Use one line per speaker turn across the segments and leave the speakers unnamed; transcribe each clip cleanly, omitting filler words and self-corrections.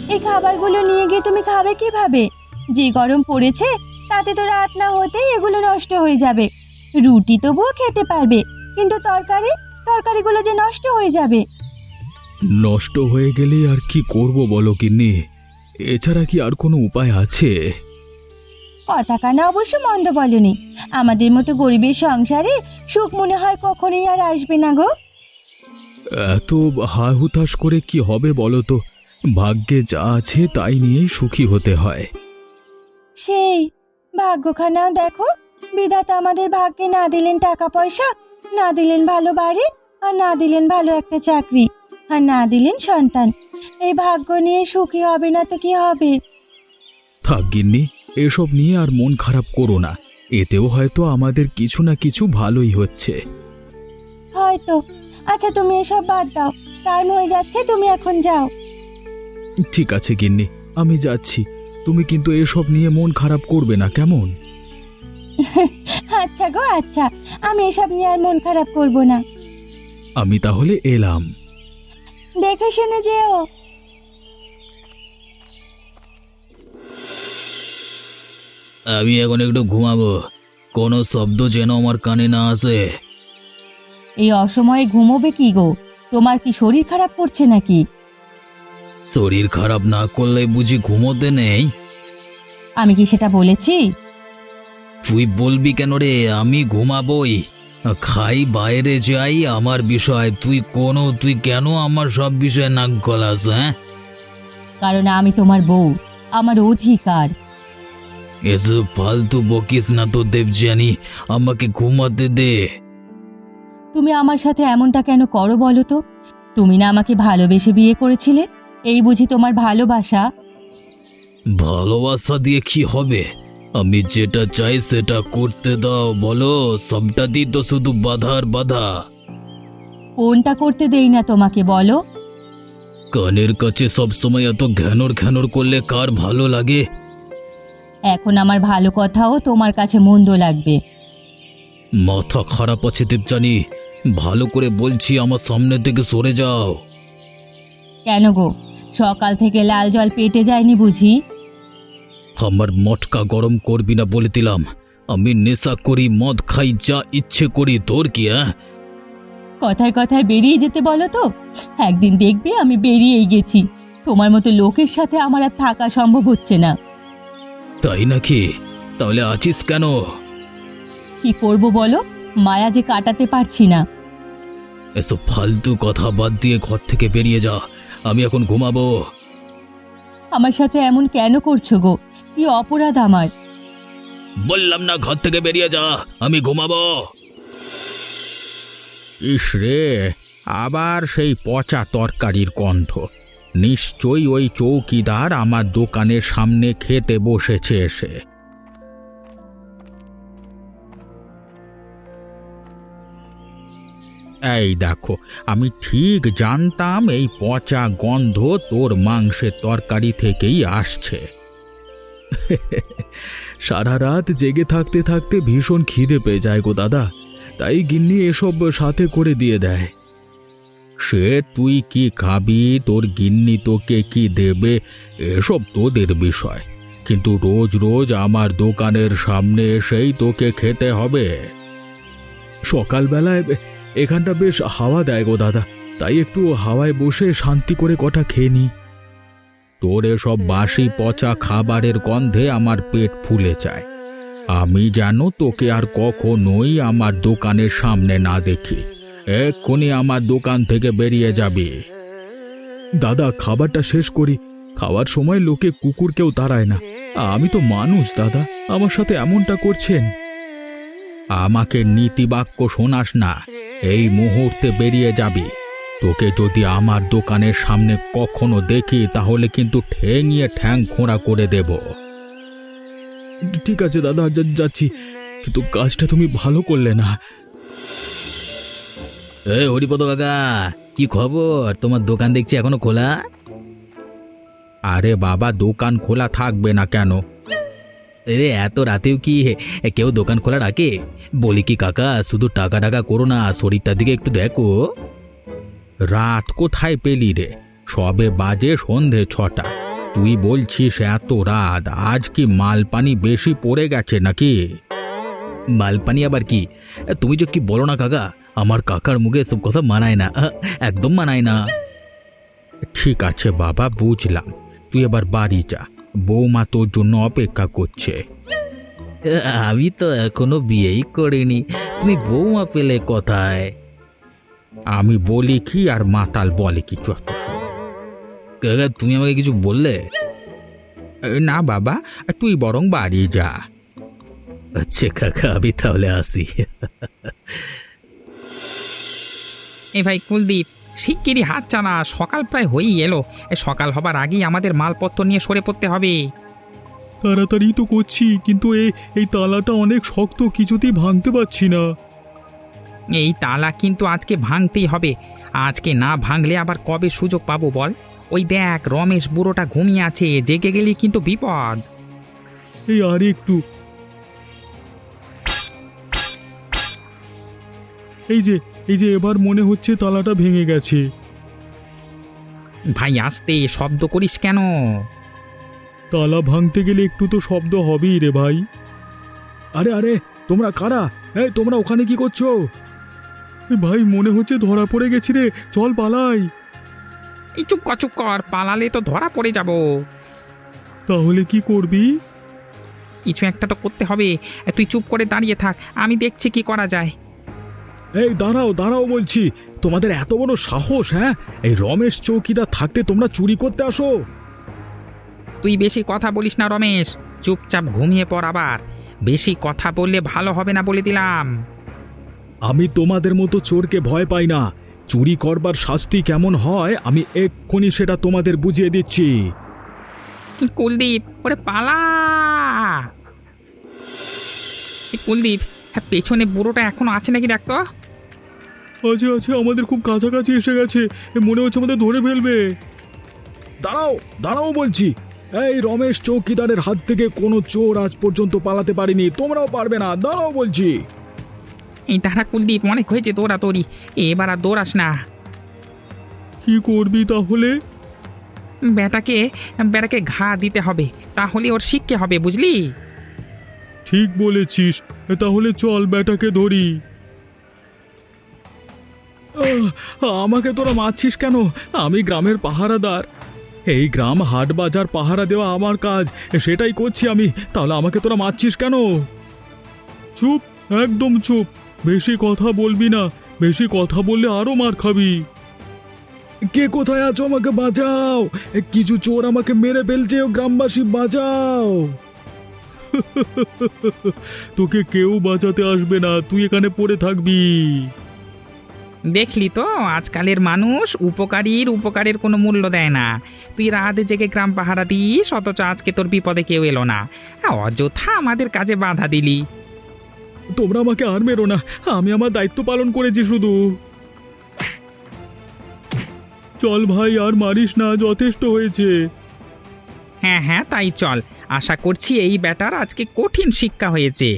এই খাবারগুলো নিয়ে গিয়ে তুমি খাবে কিভাবে? যে গরম পড়েছে তাতে তো রাত না হতেই এগুলো নষ্ট হয়ে যাবে। রুটি তবুও খেতে পারবে, কিন্তু তরকারিগুলো যে নষ্ট হয়ে যাবে।
নষ্ট হয়ে গেলে আর কি করব বলো গিন্নি? এছাড়া কি আর কোনো উপায় আছে?
কথা কানা অবশ্য মন্দ বলনি। আমাদের মতো গরিবের সংসারে সুখ মনে হয় কখনোই আর আসবে না গো।
এত হাহুতাশ করে কি হবে বলো তো? ভাগ্যে যা আছে তাই নিয়েই সুখী হতে হয়।
সেই ভাগ্যখানা দেখো, বিধাতা আমাদের ভাগ্যে না দিলেন টাকা পয়সা, না দিলেন ভালো বাড়ি, আর না দিলেন ভালো একটা চাকরি, আর না দিলেন সন্তান। এই ভাগ্য নিয়ে সুখী হবে না তো কি হবে?
থাক গিন্নি, এসব নিয়ে আর মন খারাপ করো না। এতেও হয়তো আমাদের কিছু না কিছু ভালোই হচ্ছে।
হয়তো। আচ্ছা তুমি এসব বাদ দাও, টাইম হয়ে যাচ্ছে, তুমি এখন যাও।
ঠিক আছে গিন্নি, আমি যাচ্ছি। তুমি কিন্তু এসব নিয়ে মন খারাপ করবে না, কেমন?
আচ্ছা গো আচ্ছা, আমি এসব নিয়ে আর মন খারাপ করব না।
আমি তাহলে এলাম।
দেখে শুনে যেও।
আমি এখন একটু ঘুমাবো, কোনো শব্দ যেন আমার কানে না আসে।
এই অসময়ে ঘুমোবে কি গো? তোমার কি শরীর খারাপ করছে নাকি?
শরীর খারাপ না করলে বুঝি ঘুমোতে নেই?
আমি কি সেটা বলেছি?
তুই বলবি কেন রে? আমি ঘুমাবই, খাই বাইরে যাই আমার বিষয়, তুই কেন আমার সব বিষয়ে নাক গলাস? হ্যাঁ,
কারণ আমি তোমার বউ, আমার অধিকার।
এসব ফালতু বকিস না তো দেবযানী, আমাকে ঘুমাতে দে।
তুমি আমার সাথে এমনটা কেন করো বলো তো? তুমি না আমাকে ভালোবেসে বিয়ে করেছিলে? এই বুঝি তোমার ভালোবাসা?
ভালোবাসা দিয়ে কি হবে? আমি যেটা চাই সেটা করতে দাও। বলো, সবটাতেই তো শুধু বাধা আর বাধা।
কোনটা করতে দেই না তোমাকে বলো?
কানের কাছে সবসময় এত ঘ্যানর ঘ্যানর করলে কার ভালো লাগে?
এখন আমার ভালো কথাও তোমার কাছে মন্দ লাগবে।
মাথা খারাপ আছে দেবযানী, ভালো করে বলছি, আমার সামনে থেকে সরে যাও।
কেন গো, সকাল থেকে লাল জল পেটে যায়নি বুঝি?
আমার মটকা গরম করবি না বলে দিলাম। আমি নেশা করি, মদ খাই, যা ইচ্ছে করি, তোর কি?
কথায় কথায় বেরিয়ে যেতে বলো তো। একদিন দেখবে আমি বেরিয়েই গেছি। তোমার মতো লোকের সাথে আমার আর থাকা সম্ভব হচ্ছে না।
তাই নাকি? তাহলে আছিস কেন?
কি করব বলো, মায়া যে কাটাতে পারছি না।
এসব ফালতু কথা বাদ দিয়ে ঘর থেকে বেরিয়ে যা, আমি এখন ঘুমাবো।
আমার সাথে এমন কেন করছো গো? কি অপরাধ আমার?
বললাম না ঘর থেকে বেরিয়ে যা, আমি ঘুমাবো।
ইস রে, আবার সেই পচা তরকারির গন্ধ। নিশ্চয়ই ওই চৌকিদার আমার দোকানের সামনে খেতে বসেছে এসে। এই দেখো, আমি ঠিক জানতাম এই পচা গন্ধ তোর মাংসের তরকারি থেকেই আসছে। সারা রাত জেগে থাকতে থাকতে ভীষণ খিদে পেয়ে যায় গো দাদা, তাই গিন্নি এসব সাথে করে দিয়ে দেয়। সে তুই কি খাবি, তোর গিন্নি তোকে কি দেবে, এসব তোদের বিষয়, কিন্তু রোজ রোজ আমার দোকানের সামনে এসেই তোকে খেতে হবে। সকালবেলায় এখানটা বেশ হাওয়া দেয় গো দাদা, তাই একটু হাওয়ায় বসে শান্তি করে কটা খেয়ে নি। তোর এসব বাসি পচা খাবারের গন্ধে আমার পেট ফুলে যায়। আমি যেন তোকে আর কখনোই আমার দোকানের সামনে না দেখি। এক্ষুনি আমার দোকান থেকে বেরিয়ে যাবি। দাদা, খাবারটা শেষ করি। খাওয়ার সময় লোকে কুকুর কেউ তাড়ায় না। আমি তো মানুষ দাদা, আমার সাথে এমনটা করছেন। আমাকে নীতিবাক্য শোনাস না, এই মুহূর্তে বেরিয়ে যাবি। তোকে যদি আমার দোকানের সামনে কখনো দেখি তাহলে কিন্তু ঠেঙিয়ে ঠ্যাং খোঁড়া করে দেব। ঠিক আছে দাদা, যাচ্ছি, কিন্তু কাজটা তুমি ভালো করলে না।
হরিপদ কাকা, কি খবর? তোমার দোকান দেখছি এখনো খোলা।
আরে বাবা, দোকান খোলা থাকবে না কেন?
এত রাতেও কি কেউ দোকান খোলা রাখে? বলি কি কাকা, শুধু টাকা টাকা করো না, শরীরটার দিকে একটু দেখো।
রাত কোথায় পেলি রে? সবে বাজে সন্ধে 6টা। তুই বলছিস এত রাত, আজ কি মাল পানি বেশি পড়ে গেছে নাকি?
মালপানি আবার কি? তুমি যে কি বলো না কাকা, আমার কাকার মুখে এসব কথা মানায় না, একদম মানায় না।
ঠিক আছে বাবা, বুঝলাম। তুই এবার বাড়ি যা, বৌমা তোর জন্য অপেক্ষা করছে।
আমি তো এখনো বিয়েই করিনি, তুমি বৌমা পেলে কোথায়?
আমি বলি কি আর মাতাল বলে কি যত সব।
কাকা তুমি আমাকে কিছু বললে?
না বাবা, তুই বরং বাড়ি যা।
আচ্ছা কাকা, আমি তাহলে আসি।
এ ভাই কুলদীপ, শিগগিরই হাত চালা, সকাল প্রায় হয়েই এলো। সকাল হবার আগেই আমাদের মালপত্র নিয়ে সরে পড়তে হবে।
তাড়াতাড়ি তো করছি, কিন্তু এই তালাটা অনেক শক্ত, কিছুতেই ভাঙতে পারছি না।
এই তালা কিন্তু আজকে ভাঙতেই হবে। আজকে না ভাঙলে আবার কবে সুযোগ পাবো বল? ওই দেখ, রমেশ বুড়োটা ঘুমিয়ে আছে, জেগে গেলে কিন্তু বিপদ।
এই আর একটু, এই যে এবার মনে হচ্ছে তালাটা ভেঙে গেছে।
ভাই আস্তে, শব্দ করিস কেন?
তালা ভাঙতে গেলে একটু তো শব্দ হবেই রে ভাই।
আরে আরে, তোমরা কারা? এই তোমরা ওখানে কি করছো?
ভাই মনে হচ্ছে ধরা পড়ে গেছি রে, চল পালাই।
এই চুপ কর, পালালে তো ধরা পড়ে যাব।
তাহলে কি করবি?
কিছু একটা তো করতে হবে। তুই চুপ করে দাঁড়িয়ে থাক, আমি দেখছি কি করা যায়।
এই দাঁড়াও দাঁড়াও বলছি, তোমাদের এত বড় সাহস! হ্যাঁ, এই রমেশ চৌকিদার থাকতে তোমরা চুরি করতে আসো?
তুই বেশি কথা বলিস না রমেশ, চুপচাপ ঘুমিয়ে পড়। আবার বেশি কথা বললে ভালো হবে না বলে দিলাম।
আমি তোমাদের মতো চোরকে ভয় পাই না। চুরি করবার শাস্তি কেমন হয় আমি এক্ষুনি সেটা তোমাদের বুঝিয়ে দিচ্ছি।
কুলদীপ, ওরে পালা! কুলদীপ, হ্যাঁ, পেছনে বুড়োটা এখনো আছে নাকি দেখতো।
আছে, আমাদের খুব কাছাকাছি এসে গেছে, মনে হচ্ছে আমাদের ধরে ফেলবে।
দাঁড়াও দাঁড়াও বলছি, এই রমেশ চৌকিদারের হাত থেকে কোনো চোর আজ পর্যন্ত পালাতে পারেনি, তোমরাও পারবে না। দাঁড়াও বলছি।
এই তারা কুলদীপ, অনেক হয়েছে দৌড়াদৌড়ি, এবার আর দৌড়াস না।
কি করবি তাহলে?
বেটাকে ঘা দিতে হবে, তাহলে ওর শিক্ষে হবে, বুঝলি?
ঠিক বলেছিস, তাহলে চল বেটাকে ধরি।
আমাকে তোরা মারছিস কেন? আমি গ্রামের পাহারাদার। এই গ্রাম হাট বাজার পাহারা দেওয়া আমার কাজ, সেটাই করছি আমি। তাহলে আমাকে তোরা মারছিস কেন?
চুপ, একদম চুপ, বেশি কথা বলবি না, বেশি কথা বললে আরো মার খাবি।
কে কোথায় আছো? আমাকে বাঁচাও! কিছু চোর আমাকে মেরে ফেলছে, ও গ্রামবাসী বাঁচাও!
তোকে কেউ বাঁচাতে আসবে না, তুই এখানে পড়ে থাকবি।
দেখলি তো, আজকালের মানুষ উপকারের কোনো মূল্য দেয় না। তুই রাতে জেগে গ্রাম পাহারা দিস, অথচ আজকে তোর বিপদে কেউ এলো না, অযথা আমাদের কাজে বাধা দিলি।
তোমরা আমাকে আর মেরো না, আমি আমার দায়িত্ব পালন করেছি শুধু। চল ভাই, আর মারিস না, যথেষ্ট হয়েছে।
হ্যাঁ, তাই চল। আশা করছি এই ব্যাটার আজকে কঠিন শিক্ষা হয়েছে।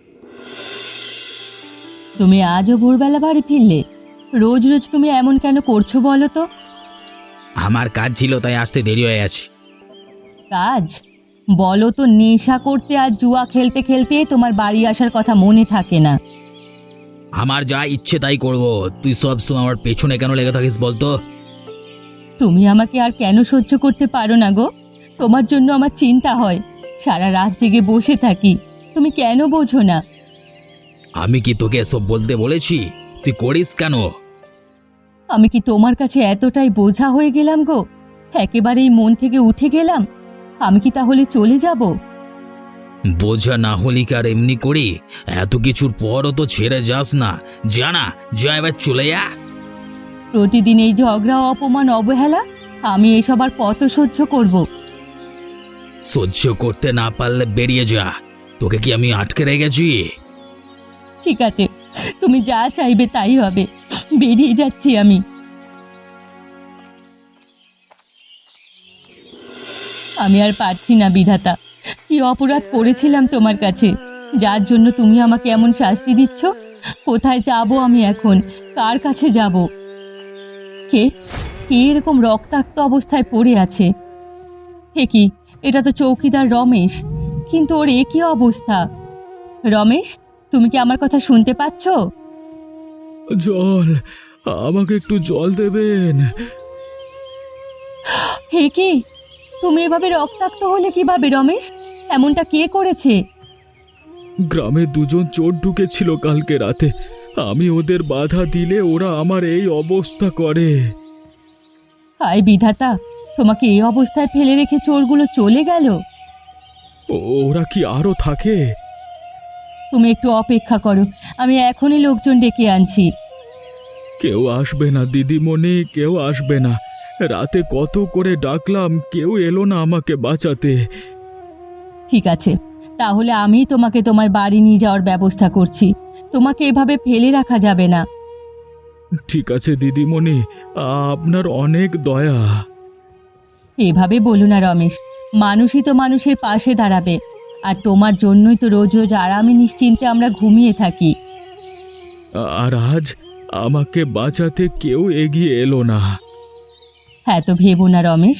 তুমি আজও ভোরবেলা বাড়ি ফিরলে? রোজ রোজ তুমি এমন কেন করছো বলো তো?
আমার কাজ ছিল, তাই আসতে দেরি হয়ে গেছে।
কাজ? বলো তো, নেশা করতে আর জুয়া খেলতে খেলতে তোমার বাড়ি আসার কথা মনে থাকে না।
আমার যা ইচ্ছে তাই করব, তুই সব সময় আমার পেছনে কেন লেগে থাকিস বলতো?
তুমি আমাকে আর কেন সহ্য করতে পারো না গো? তোমার জন্য আমার চিন্তা হয়, সারা রাত জেগে বসে থাকি, তুমি কেন বোঝো না?
আমি কি তোকে এসব বলতে বলেছি? তুই করিস কেন?
আমি কি তোমার কাছে এতটাই বোঝা হয়ে গেলাম গো? একেবারেই মন থেকে উঠে গেলাম? আমি কি তাহলে চলে যাব?
বোঝা না হলি কি আর এমনি করি? এত কিছুর পরও তো ছেড়ে যাস না, জানা যা, এবার চলে যা।
প্রতিদিন এই ঝগড়া, অপমান, অবহেলা, আমি এসব আর কত সহ্য করব?
সহ্য করতে না পারলে বেরিয়ে যা, তোকে কি আমি আটকে রেখেছি?
ঠিক আছে, তুমি যা চাইবে তাই হবে, বেরিয়ে যাচ্ছি আমি। আমি আর পারছি না বিধাতা, কি অপরাধ করেছিলাম তোমার কাছে, যার জন্য তুমি আমাকে এমন শাস্তি দিচ্ছ? কোথায় যাব আমি এখন? কার কাছে যাব? কে কে এরকম রক্তাক্ত অবস্থায় পড়ে আছে? হে কি, এটা তো চৌকিদার রমেশ, কিন্তু ওর এ কি অবস্থা? রমেশ, তুমি কি আমার কথা শুনতে পাচ্ছ?
জল, আমাকে একটু জল দেবেন।
হে কি, তুমি এভাবে রক্তাক্ত হলে কিভাবে রমেশ? এমনটা কে করেছে?
গ্রামে দুজন চোর ঢুকেছিল কালকে রাতে, আমি ওদের বাধা দিলে ওরা আমার এই অবস্থা করে।
হায় বিধাতা, তোমাকে এই অবস্থায় ফেলে রেখে চোরগুলো চলে গেল।
ওরা কি আরো থাকে?
তুমি একটু অপেক্ষা করো, আমি এখনই লোকজন ডেকে আনছি।
কেউ আসবে না দিদিমণি, কেউ আসবে না। রাতে কত করে ডাকলাম, কেউ এলো না আমাকে বাঁচাতে।
ঠিক আছে, তাহলে আমি তোমাকে তোমার বাড়ি নিয়ে যাওয়ার ব্যবস্থা করছি। তোমাকে এভাবে ফেলে রাখা যাবে না।
ঠিক আছে দিদিমণি, আপনার অনেক দয়া।
এভাবে বলো না রমেশ, মানুষই তো মানুষের পাশে দাঁড়াবে, আর তোমার জন্যই তো রোজ রোজ আরামে নিশ্চিন্তে আমরা ঘুমিয়ে থাকি।
আর আজ আমাকে বাঁচাতে কেউ এগিয়ে এলো না।
হ্যাঁ, তো ভেবো না রমেশ।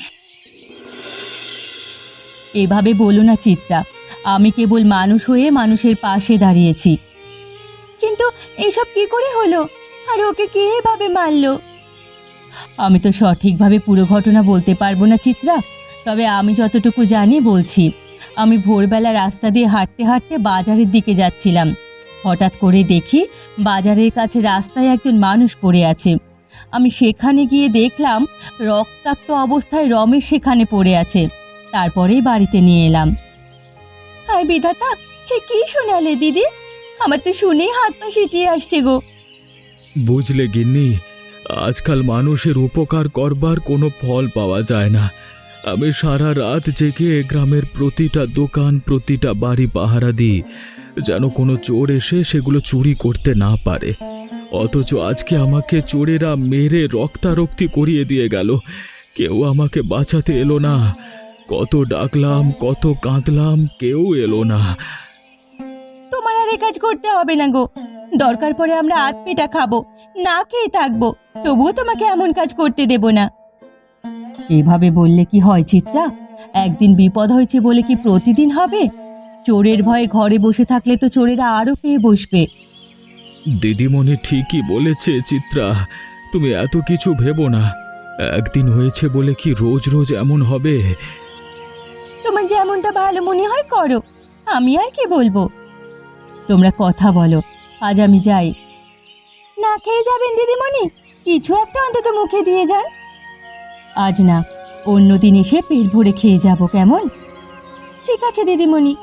এভাবে বলো না চিত্রা, আমি কেবল মানুষ হয়ে মানুষের পাশে দাঁড়িয়েছি। কিন্তু এসব কি করে হলো, আর ওকে কে এভাবে মারলো? আমি তো সঠিকভাবে পুরো ঘটনা বলতে পারবো না চিত্রা, তবে আমি যতটুকু জানি বলছি। আমি ভোরবেলা রাস্তা দিয়ে হাঁটতে হাঁটতে বাজারের দিকে যাচ্ছিলাম। হঠাৎ করে দেখি বাজারের কাছে রাস্তায় একজন মানুষ পড়ে আছে। আমি সেখানে গিয়ে দেখলাম রক্তাক্ত অবস্থায় রমেশ সেখানে পড়ে আছে। তারপরেই বাড়িতে নিয়ে এলাম। হায় বিধাতা, হে কি শোনালে দিদি? আমার তো শুনেই হাত পা সিটিয়ে আসছে গো।
বুঝলে গিন্নি, আজকাল মানুষের উপকার করবার কোনো ফল পাওয়া যায় না। আমি সারা রাত জেগে গ্রামের প্রতিটা দোকান, প্রতিটা বাড়ি পাহারা দিই, যেন কোনো চোর এসে সেগুলো চুরি করতে না পারে। অথচ আজকে আমাকে চোরেরা মেরে রক্তারক্তি করিয়ে দিয়ে গেল। কেউ আমাকে বাঁচাতে এলো না। কত ডাকলাম, কত কাঁদলাম, কেউ এলো না।
তোমার আর এ কাজ করতে হবে না গো। দরকার পড়ে আমরা আধ পেটা খাবো, না খেয়ে থাকবো, তবুও তোমাকে এমন কাজ করতে দেব না। এভাবে বললে কি হয় চিত্রা? একদিন বিপদ হয়েছে বলে কি প্রতিদিন হবে? চোরের ভয়ে ঘরে বসে থাকলে তো চোরেরা আরো পেয়ে বসবে।
দিদিমণি ঠিকই বলেছে চিত্রা, তুমি এত কিছু ভেবো না। একদিন হয়েছে বলে কি রোজ রোজ এমন হবে?
তোমার যেমনটা ভালো মনে হয় করো, আমি আর কি বলবো। তোমরা কথা বলো, আজ আমি যাই। না খেয়ে যাবেন দিদিমণি? কিছু একটা অন্তত মুখে দিয়ে যান। আজ না, অন্যদিন এসে পেট ভরে খেয়ে যাব, কেমন? ঠিক আছে দিদিমণি।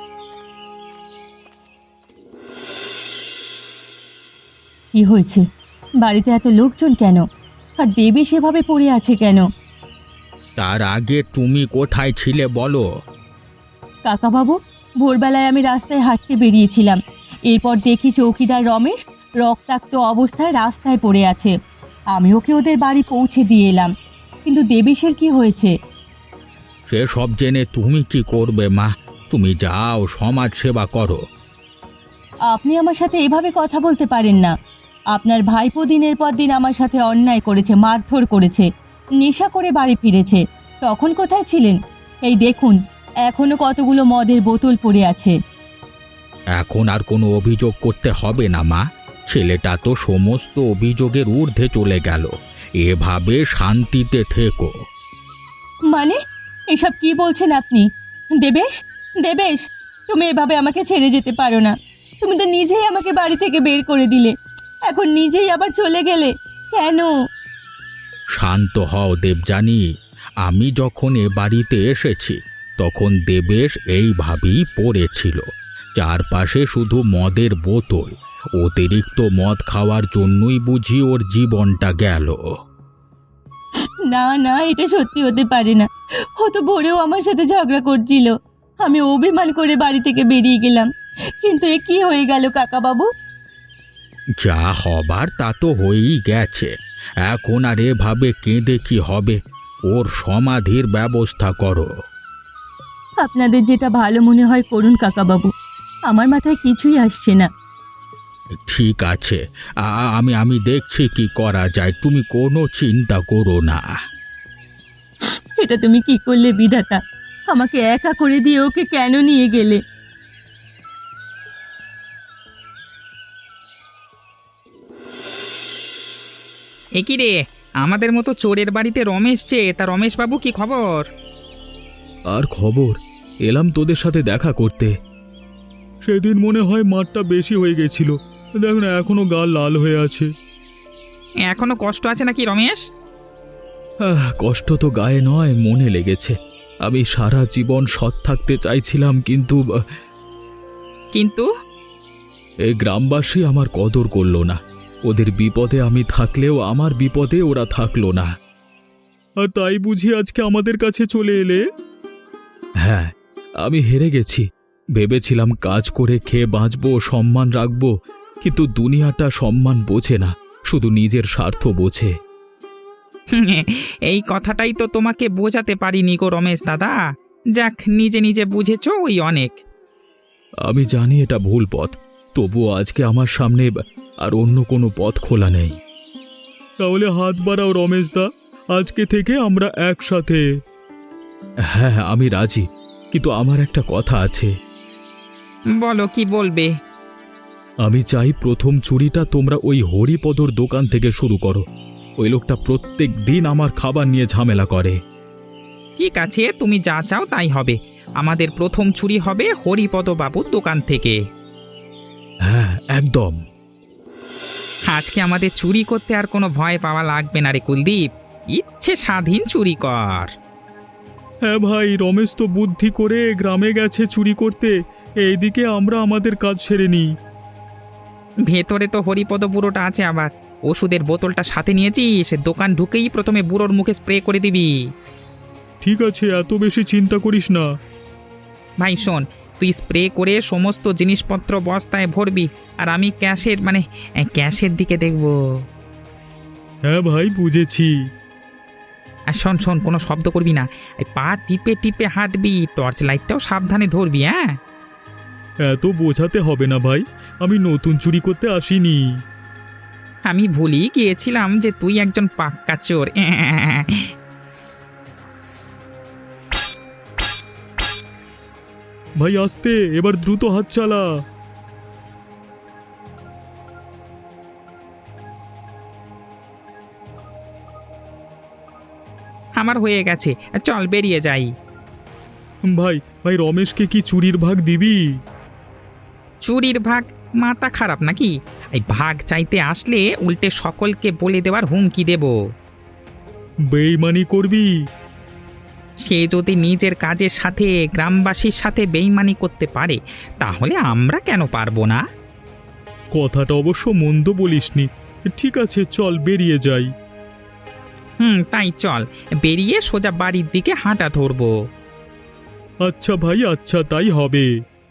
কি হয়েছে? বাড়িতে এত লোকজন কেন? আর দেবী সেভাবে পড়ে আছে কেন?
তার আগে তুমি কোথায় ছিলে বলো?
কাকাবাবু, ভোরবেলায় আমি রাস্তায় হাঁটতে বেরিয়েছিলাম। এরপর দেখি চৌকিদার রমেশ রক্তাক্ত অবস্থায় রাস্তায় পড়ে আছে। আমি ওকে ওদের বাড়ি পৌঁছে দিয়ে এলাম, কিন্তু দেবেশের কি হয়েছে?
সেসব জেনে তুমি কি করবে মা? তুমি যাও, সমাজ সেবা করো।
আপনি আমার সাথে এভাবে কথা বলতে পারেন না। আপনার ভাইপো দিনের পর দিন আমার সাথে অন্যায় করেছে, মারধর করেছে, নেশা করে বাড়ি ফিরেছে। তখন কোথায় ছিলেন? এই দেখুন, এখনো কতগুলো মদের বোতল পড়ে আছে।
এখন আর কোনো অভিযোগ করতে হবে না মা। ছেলেটা তো সমস্ত অভিযোগের ঊর্ধ্বে চলে গেল। এভাবে শান্তিতে থেকো।
মানে এসব কি বলছেন আপনি? দেবেশ, দেবেশ, তুমি এভাবে আমাকে ছেড়ে যেতে পারো না। তুমি তো নিজেই আমাকে বাড়ি থেকে বের করে দিলে, এখন নিজেই আবার চলে গেলে কেন?
শান্ত হও দেবযানী। আমি যখন এ বাড়িতে এসেছি তখন দেবেশ এইভাবেই পড়েছিল। চারপাশে শুধু মদের বোতল। অতিরিক্ত মদ খাওয়ার জন্যই বুঝি ওর জীবনটা গেল।
না না, এটা সত্যি হতে পারে না। ও তো ভোরেও আমার সাথে ঝগড়া করছিল। আমি অভিমান করে বাড়ি থেকে বেরিয়ে গেলাম, কিন্তু এ কি হয়ে গেল কাকাবাবু?
যা হবার তা তো হয়েই গেছে। এখন আর এভাবে কেঁদে কি হবে? ওর সমাধির ব্যবস্থা করো।
আপনাদের যেটা ভালো মনে হয় করুন কাকাবাবু, আমার মাথায় কিছুই আসছে না।
ঠিক আছে, আমি দেখছি কি করা যায়, তুমি কোনো চিন্তা করো না।
এটা তুমি কি করলে বিধাতা? আমাকে একা করে দিয়ে ওকে কেন নিয়ে গেলে?
এ কি রে, আমাদের মতো চোরের বাড়িতে রমেশ যে, তা রমেশবাবু কি খবর?
আর খবর, এলাম তোদের সাথে দেখা করতে। সেদিন মনে হয় মারটা বেশি হয়ে গেছিল, দেখ না এখনো গা লাল হয়ে আছে।
এখনো কষ্ট আছে নাকি রমেশ?
কষ্ট তো গায়ে নয়, মনে লেগেছে। আমি সারা জীবন সৎ থাকতে চাইছিলাম, কিন্তু
কিন্তু
এই গ্রামবাসী আমার কদর করলো না। ওদের বিপদে আমি থাকলেও আমার বিপদে ওরা থাকলো না। আর তাই বুঝি আজকে আমাদের কাছে চলে এলে? হ্যাঁ, আমি হেরে গেছি। ভেবেছিলাম কাজ করে খেয়ে বাঁচবো, সম্মান রাখবো, কিন্তু দুনিয়াটা সম্মান বোঝে না, শুধু নিজের স্বার্থ বোঝে।
এই কথাটাই তো তোমাকে বোঝাতে পারিনি গো রমেশ দাদা। যাক, নিজে নিজে বুঝেছো, ওই অনেক।
আমি জানি এটা ভুল পথ, তবুও আজকে আমার সামনে আর অন্য কোনো পথ খোলা নেই। তাহলে হাত বাড়াও রমেশদা, আজকে থেকে আমরা একসাথে। হ্যাঁ, আমি রাজি, কিন্তু আমার একটা কথা আছে।
বলো, কি বলবে?
আমি চাই প্রথম চুরিটা তোমরা ওই হরিপদর দোকান থেকে শুরু করো। ওই লোকটা প্রত্যেক দিন আমার খাবার নিয়ে ঝামেলা করে।
ঠিক আছে, তুমি যা চাও তাই হবে। আমাদের প্রথম চুরি হবে হরিপদ বাবুর দোকান থেকে।
হ্যাঁ, একদম।
আজকে আমাদের চুরি করতে আর কোনো ভয় পাওয়া লাগবে না রে কুলদীপ। ইচ্ছে স্বাধীন চুরি কর।
হ্যাঁ ভাই, রমেশ তো বুদ্ধি করে গ্রামে গেছে চুরি করতে, এইদিকে আমরা আমাদের কাজ সেরে নিই।
ভেতরে তো হরিপদ বুড়োটা আছে, আবার ওষুধের বোতলটা সাথে নিয়েছিস। দোকান ঢুকেই প্রথমে বুড়োর মুখে স্প্রে করে দিবি।
ঠিক আছে, এত বেশি চিন্তা করিস না।
ভাই শোন, তুই স্প্রে করে সমস্ত জিনিসপত্র বস্তায় ভরবি, আর আমি ক্যাশের দিকে দেখব।
হ্যাঁ ভাই, বুঝেছি।
আর শোন শোন, কোনো শব্দ করবি না। এই পা টিপে টিপে হাঁটবি, টর্চ লাইটটাও সাবধানে ধরবি। হ্যাঁ,
এত বোঝাতে হবে না ভাই, আমি নতুন চুরি করতে আসিনি।
আমি ভুলেই গিয়েছিলাম যে তুই একজন পাক্কা চোর।
ভাই আস্তে, এবার দ্রুত হাত চালা।
আমার হয়ে গেছে, চল বেরিয়ে যাই।
ভাই ভাই, রমেশকে কি চুরির ভাগ দিবি?
চুরির ভাগ? মাথা খারাপ নাকি? এই ভাগ চাইতে আসলে উল্টে সকলকে বলে দেওয়ার হুমকি দেব।
বেইমানি করবি?
সে যদি নিজের কাজের সাথে গ্রামবাসীর সাথে বেইমানি করতে পারে, তাহলে আমরা কেন পারবো না?
কথাটা অবশ্য মন্দ বলিসনি। ঠিক আছে, চল বেরিয়ে যাই।
তাই চল, বেরিয়ে সোজা বাড়ির দিকে হাঁটা ধরবো।
আচ্ছা ভাই, আচ্ছা তাই হবে।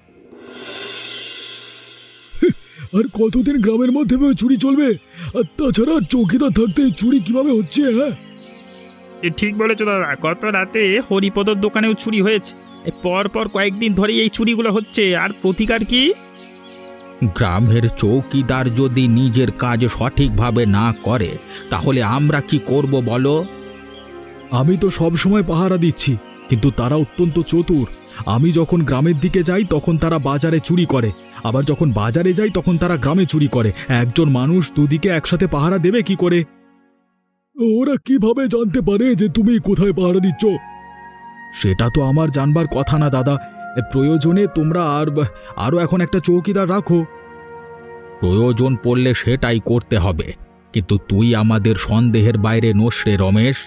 আর কতদিন গ্রামের মধ্যে চুরি চলবে? আর তাছাড়া চৌকিদার থাকতে চুরি কিভাবে হচ্ছে? হ্যাঁ,
ঠিক বলেছো দাদা, গত রাতে হরিপদর দোকানেও চুরি হয়েছে। পর পর কয়েকদিন ধরে এই চুরিগুলো হচ্ছে, আর প্রতিকার কি?
গ্রামের চৌকিদার যদি নিজের কাজ সঠিকভাবে না করে, তাহলে আমরা কি করব বলো?
আমি তো সব সময় পাহারা দিচ্ছি, কিন্তু তারা অত্যন্ত চতুর। আমি যখন গ্রামের দিকে যাই তখন তারা বাজারে চুরি করে, আবার যখন বাজারে যাই তখন তারা গ্রামে চুরি করে। একজন মানুষ দুদিকে একসাথে পাহারা দেবে কি করে? ওরা কিভাবে জানতে পারে যে তুমি কোথায় পাহারা দিচ্ছ? সেটা তো আমার জানবার কথা না দাদা। প্রয়োজনে তোমরা আরও এখন একটা চৌকিদার রাখো।
প্রয়োজন পড়লে সেটাই করতে হবে, কিন্তু তুই আমাদের সন্দেহের বাইরে নোস রে রমেশ।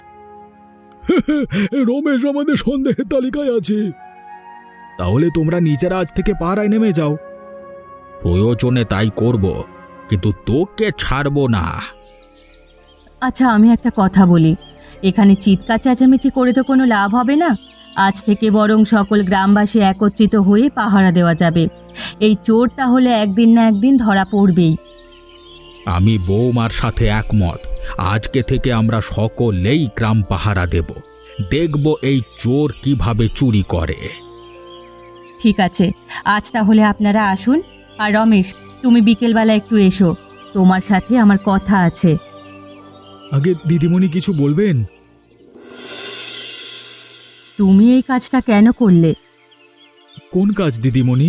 রমেশ আমাদের সন্দেহের তালিকায় আছে। তাহলে তোমরা নিজেরা আজ থেকে পাহারায় নেমে যাও।
প্রয়োজনে তাই করব, কিন্তু তোকে ছাড়বো না।
আচ্ছা, আমি একটা কথা বলি, এখানে চিৎকার চেঁচামেচি করে তো কোনো লাভ হবে না। আজ থেকে বরং সকল গ্রামবাসী একত্রিত হয়ে পাহারা দেওয়া যাবে। এই চোর তাহলে একদিন না একদিন ধরা পড়বেই।
আমি বৌমার সাথে একমত। আজকে থেকে আমরা সকলেই গ্রাম পাহারা দেব, দেখব এই চোর কিভাবে চুরি করে।
ঠিক আছে, আজ তাহলে আপনারা আসুন। আর রমেশ, তুমি বিকেলবেলা একটু এসো, তোমার সাথে আমার কথা আছে।
আগে দিদিমণি কিছু বলবেন?
তুমি এই কাজটা কেন করলে?
কোন কাজ দিদিমণি?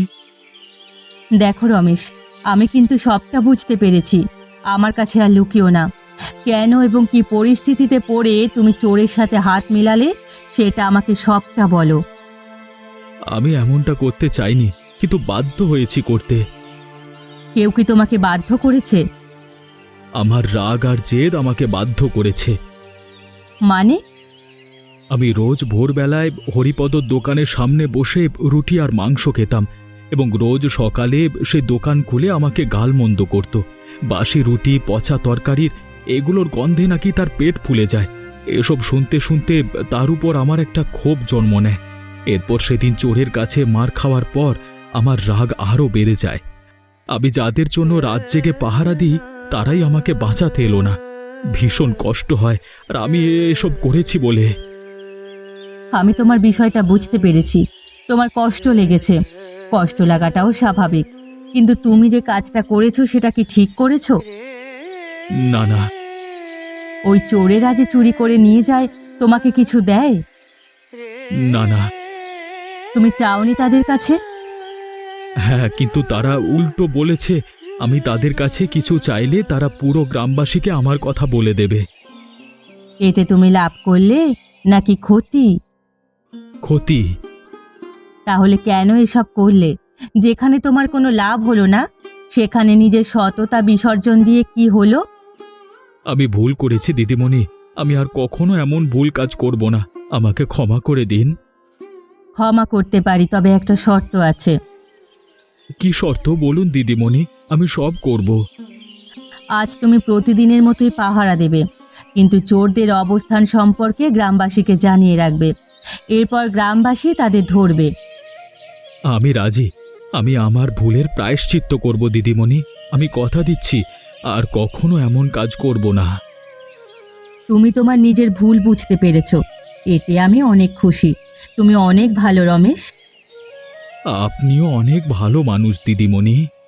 দেখো রমেশ, আমি কিন্তু সবটা বুঝতে পেরেছি। আমার কাছে আর লুকিও না। কেন এবং কি পরিস্থিতিতে পড়ে তুমি চোরের সাথে হাত মিলালে সেটা আমাকে সবটা বলো।
আমি এমনটা করতে চাইনি, কিন্তু বাধ্য হয়েছি করতে।
কেউ কি তোমাকে বাধ্য করেছে?
আমার রাগ আর জেদ আমাকে বাধ্য করেছে।
মানে?
আমি রোজ ভোরবেলায় হরিপদর দোকানের সামনে বসে রুটি আর মাংস খেতাম, এবং রোজ সকালে সে দোকান খুলে আমাকে গালমন্দ করত। বাসি রুটি, পচা তরকারির এগুলোর গন্ধে নাকি তার পেট ফুলে যায়। এসব শুনতে শুনতে তার উপর আমার একটা ক্ষোভ জন্ম নেয়। এরপর সেদিন চোরের কাছে মার খাওয়ার পর আমার রাগ আরও বেড়ে যায়। আমি যাদের জন্য রাত জেগে পাহারা দিই তারাই আমাকে বাঁচাতে এলো না। ভীষণ কষ্ট হয়, আর আমি এসব করেছি বলে।
আমি তোমার বিষয়টা বুঝতে পেরেছি। তোমার কষ্ট লেগেছে, কষ্ট লাগাটাও স্বাভাবিক। কিন্তু তুমি যে কাজটা করেছো সেটা কি ঠিক করেছো?
না না,
ওই চোরেরা যে চুরি করে নিয়ে যায়, তোমাকে কিছু দেয়?
না না।
তুমি চাওনি তাদের কাছে?
হ্যাঁ, কিন্তু তারা উল্টো বলেছে আমি তাদের কাছে কিছু চাইলে তারা পুরো গ্রামবাসীকে আমার কথা বলে দেবে।
এতে তুমি লাভ করলে নাকি ক্ষতি?
ক্ষতি।
তাহলে কেন এসব করলে? যেখানে তোমার কোনো লাভ হলো না সেখানে নিজের সততা বিসর্জন দিয়ে কি হলো?
আমি ভুল করেছি দিদিমণি, আমি আর কখনো এমন ভুল কাজ করব না। আমাকে ক্ষমা করে দিন।
ক্ষমা করতে পারি, তবে একটা শর্ত আছে।
কি শর্ত বলুন দিদিমণি, আমি সব করব।
আজ তুমি প্রতিদিনের মতোই পাহারা দেবে, কিন্তু চোরদের অবস্থান সম্পর্কে গ্রামবাসীকে জানিয়ে রাখবে। এরপর গ্রামবাসী তাদের ধরবে।
আমি রাজি। আমি আমার ভুলের প্রায়শ্চিত্ত করব দিদিমণি। আমি কথা দিচ্ছি আর কখনো এমন কাজ করব না।
তুমি তোমার নিজের ভুল বুঝতে পেরেছো, এতে আমি অনেক খুশি। তুমি অনেক ভালো রমেশ।
আপনিও অনেক ভালো মানুষ দিদিমণি।